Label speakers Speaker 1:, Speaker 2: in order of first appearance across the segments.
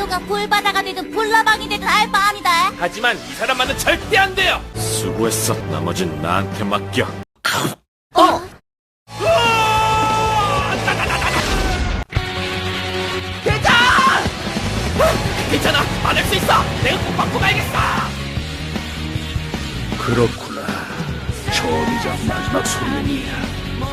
Speaker 1: 파도가 불바다가 되든 불나방이 되든 알 바 아니다.
Speaker 2: 하지만 이 사람만은 절대 안 돼요.
Speaker 3: 수고했어. 나머진 나한테 맡겨.
Speaker 2: 대장! 괜찮아, 받을 수 있어. 내가 꼭 받고 가야겠어.
Speaker 4: 그렇구나. 처음이자 마지막 소년이야.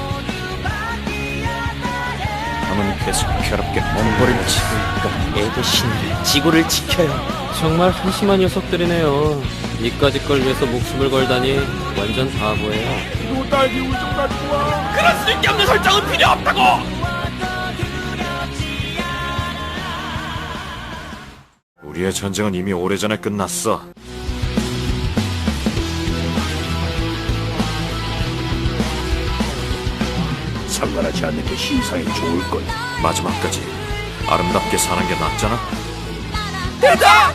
Speaker 3: 남은 계속 괴롭게 몸부림치고 있고
Speaker 2: 애 대신 지구를 지켜요.
Speaker 5: 정말 한심한 녀석들이네요. 이까짓 걸 위해서 목숨을 걸다니 완전 바보예요.
Speaker 2: 그럴 수밖에 없는 설정은 필요 없다고.
Speaker 3: 우리의 전쟁은 이미 오래전에 끝났어.
Speaker 4: 상관하지 않는 게 신상에 좋을 거야.
Speaker 3: 마지막까지 아름답게 사는 게 낫잖아.
Speaker 2: 대장!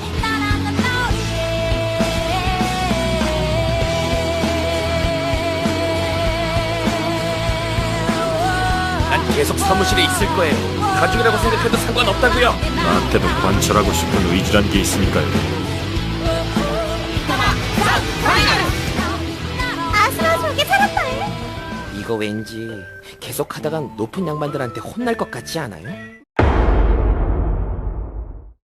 Speaker 2: 난 계속 사무실에 있을 거예요. 가족이라고 생각해도 상관없다고요.
Speaker 3: 나한테도 관철하고 싶은 의지란 게 있으니까요.
Speaker 1: 아슬아슬하게 살았다.
Speaker 2: 이거 왠지 계속 하다간 높은 양반들한테 혼날 것 같지 않아요?